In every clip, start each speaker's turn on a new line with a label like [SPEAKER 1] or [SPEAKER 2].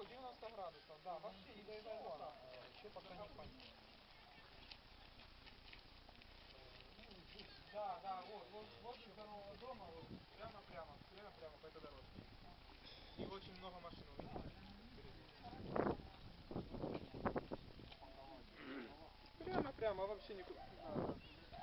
[SPEAKER 1] по 90 градусов, да, вообще не зарисовано. Еще пока не понятно. Да, да, вот возле здорового дома, вот прямо по этой дорожке. И очень много машин увидите впереди. Прямо, вообще никуда не надо.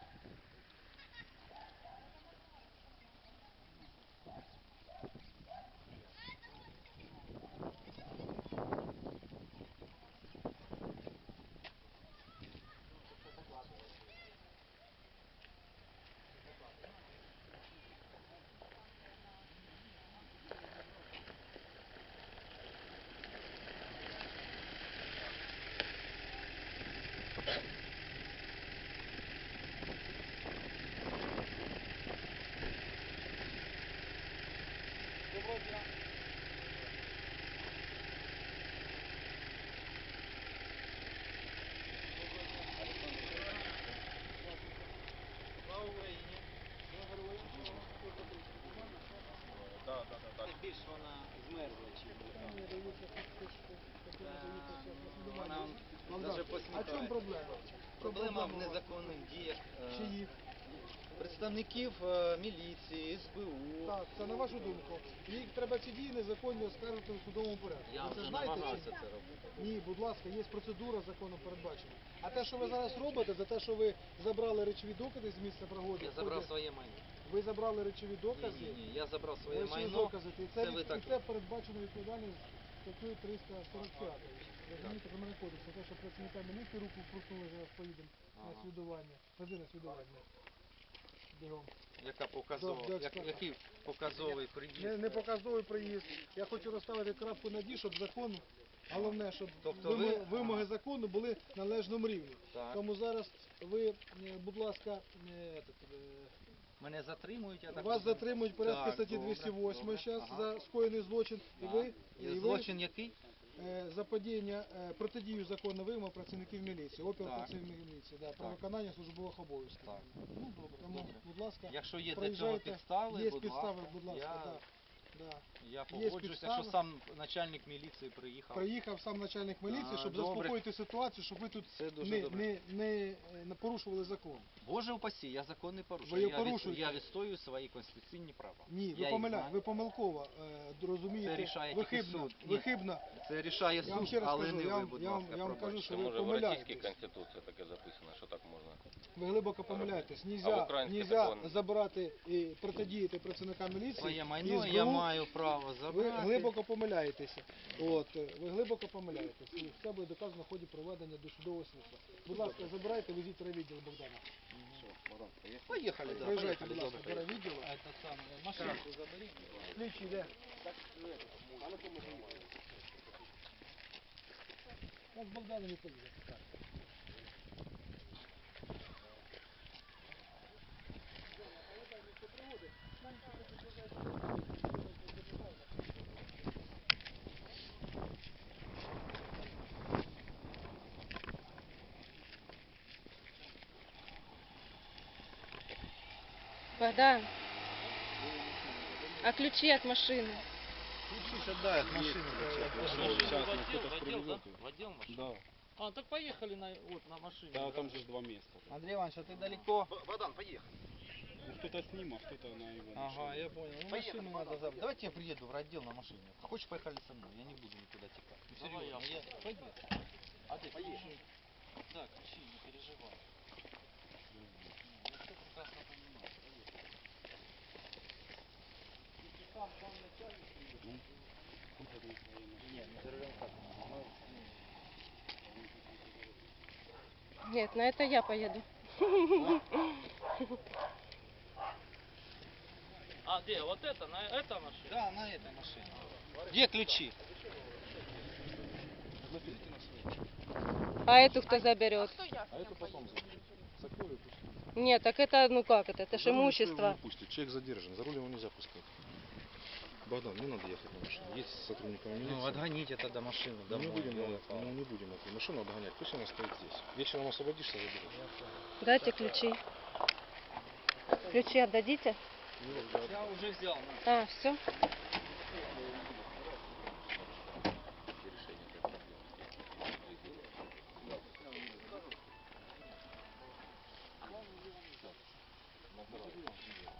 [SPEAKER 1] Доброго дня. Слава Україні.
[SPEAKER 2] Так. Більш вона змерзла, чи вона навіть посміхає.
[SPEAKER 3] А в чому проблема?
[SPEAKER 2] Проблема в незаконних діях
[SPEAKER 3] Чиїх?
[SPEAKER 2] представників міліції, СБУ.
[SPEAKER 3] Так, це на вашу думку. Їх треба ці дії незаконні оскаржити у судовому порядку.
[SPEAKER 2] Я
[SPEAKER 3] Ви це
[SPEAKER 2] вже
[SPEAKER 3] знаєте чи
[SPEAKER 2] намагався
[SPEAKER 3] ні?
[SPEAKER 2] це робити.
[SPEAKER 3] Ні, будь ласка, є процедура законом передбачена. А те, що ви зараз робите, за те, що ви забрали речові докази з місця пригоди.
[SPEAKER 2] Я забрав своє майно.
[SPEAKER 3] Ви забрали речові докази.
[SPEAKER 2] Ні, я забрав своє
[SPEAKER 3] Речові
[SPEAKER 2] майно.
[SPEAKER 3] докази. І
[SPEAKER 2] Це ви так.
[SPEAKER 3] і це передбачено відповідальність статтею 345. Розумієте, про мене кодексу. Те, що працівника міліції руку вкрутнули, зараз поїдемо на свідування. Ходи на свідування. Бігом.
[SPEAKER 2] Який показовий приїзд?
[SPEAKER 3] Не показовий приїзд. Я хочу розставити крапку над «і», щоб закон, головне, щоб
[SPEAKER 2] Тобто
[SPEAKER 3] вимоги закону були на належному рівні.
[SPEAKER 2] Так.
[SPEAKER 3] Тому зараз ви, будь ласка,
[SPEAKER 2] Мене затримують, я так
[SPEAKER 3] вас
[SPEAKER 2] розумію?
[SPEAKER 3] затримують порядку
[SPEAKER 2] Так,
[SPEAKER 3] статті
[SPEAKER 2] добре,
[SPEAKER 3] 208
[SPEAKER 2] добре.
[SPEAKER 3] зараз
[SPEAKER 2] Ага.
[SPEAKER 3] за скоєний злочин.
[SPEAKER 2] Злочин який?
[SPEAKER 3] За падіння, протидію закону вимог працівників міліції, опір
[SPEAKER 2] Так.
[SPEAKER 3] працівників міліції, да, про виконання службових обов'язків.
[SPEAKER 2] Так. Ну, добре,
[SPEAKER 3] Тому,
[SPEAKER 2] добре.
[SPEAKER 3] будь ласка,
[SPEAKER 2] Якщо є для цього
[SPEAKER 3] проїжджайте.
[SPEAKER 2] підстави,
[SPEAKER 3] Є
[SPEAKER 2] будь
[SPEAKER 3] підстави,
[SPEAKER 2] ласка,
[SPEAKER 3] будь ласка, да.
[SPEAKER 2] я
[SPEAKER 3] Є
[SPEAKER 2] погоджуюсь.
[SPEAKER 3] підстави.
[SPEAKER 2] Якщо сам начальник міліції приїхав.
[SPEAKER 3] Приїхав сам начальник міліції, щоб
[SPEAKER 2] добре.
[SPEAKER 3] заспокоїти ситуацію, щоб ви тут
[SPEAKER 2] Це дуже добре.
[SPEAKER 3] не порушували закон.
[SPEAKER 2] Боже упасі, я закон не порушую.
[SPEAKER 3] Ви його порушуєте.
[SPEAKER 2] Я відстоюю свої конституційні права.
[SPEAKER 3] Ні,
[SPEAKER 2] Я їх знаю.
[SPEAKER 3] ви помилково розумієте,
[SPEAKER 2] Це рішає тільки суд. Ні.
[SPEAKER 3] вихибно.
[SPEAKER 2] Це рішає
[SPEAKER 3] Я вам
[SPEAKER 2] суд,
[SPEAKER 3] ще раз
[SPEAKER 2] але
[SPEAKER 3] кажу,
[SPEAKER 2] не
[SPEAKER 3] я
[SPEAKER 2] ви,
[SPEAKER 3] вам-
[SPEAKER 2] будь
[SPEAKER 3] я вам-
[SPEAKER 2] ласка,
[SPEAKER 3] я вам кажу,
[SPEAKER 2] пробачте.
[SPEAKER 3] що
[SPEAKER 4] Це
[SPEAKER 3] ви
[SPEAKER 4] може в Російській
[SPEAKER 3] помиляєтесь.
[SPEAKER 4] Конституції таке записано, що так можна.
[SPEAKER 3] Ви глибоко помиляєтесь.
[SPEAKER 4] А в
[SPEAKER 3] Нельзя
[SPEAKER 4] український
[SPEAKER 3] нельзя
[SPEAKER 4] закон?
[SPEAKER 3] забирати і протидіяти працівникам міліції.
[SPEAKER 2] Своє
[SPEAKER 3] і
[SPEAKER 2] майно
[SPEAKER 3] СБУ.
[SPEAKER 2] я маю право забрати.
[SPEAKER 3] Ви глибоко помиляєтеся. Ви глибоко помиляєтесь. І все буде доказано в ході проведення досудового слідства. Будь ласка, забирайте, везіть райвідділ Богдана.
[SPEAKER 2] Поїхали, да,
[SPEAKER 3] Приїжджайте, будь
[SPEAKER 2] поїхали,
[SPEAKER 3] ласка,
[SPEAKER 2] добре.
[SPEAKER 3] до райвідділу.
[SPEAKER 2] Машинку заберіть.
[SPEAKER 3] Слідчий йде. Я з Богданом не поїду.
[SPEAKER 5] Богдан, а ключи от машины?
[SPEAKER 2] Ключи отдай от машины.
[SPEAKER 6] В отдел машины? Да. А, так поехали на машине.
[SPEAKER 7] Да, там же 2 места.
[SPEAKER 2] Андрей Иванович, а ты далеко?
[SPEAKER 4] Богдан, поїхали.
[SPEAKER 7] Ну, кто-то с ним, а кто-то на его машине.
[SPEAKER 2] Ага, я понял. Ну, машину надо забрать. Давайте я приеду в райотдел на машине. Хочешь, поехали со мной? Я не буду никуда текать. Ну,
[SPEAKER 6] Давай
[SPEAKER 2] серьезно,
[SPEAKER 6] я.
[SPEAKER 2] Поехали.
[SPEAKER 6] А ты ключи? Да, ключи, не переживай. Я все прекрасно понимаю.
[SPEAKER 2] Нет, не за рулем как?
[SPEAKER 5] Нет, на это я поеду.
[SPEAKER 6] А, где? Вот это? На эта машина?
[SPEAKER 2] Да, на этой машине. Где ключи?
[SPEAKER 5] А эту кто заберет?
[SPEAKER 7] А это потом закрою, пусть.
[SPEAKER 5] Нет, так это, ну как это ж
[SPEAKER 7] За руль никто его
[SPEAKER 5] имущество.
[SPEAKER 7] не пустит. Человек задержан, за руль его нельзя пускать. Богдан, не надо ехать на машине. Есть сотрудникам милиции.
[SPEAKER 2] Ну, отгоните тогда машину
[SPEAKER 7] Мы
[SPEAKER 2] домой.
[SPEAKER 7] не будем,
[SPEAKER 2] ёлы-палы.
[SPEAKER 7] мы не будем эту машину отгонять, пусть она стоит здесь. Вечером освободишься, заберешь.
[SPEAKER 5] Дайте ключи. Ключи отдадите?
[SPEAKER 2] Я уже взял.
[SPEAKER 5] А, все?
[SPEAKER 7] Давай.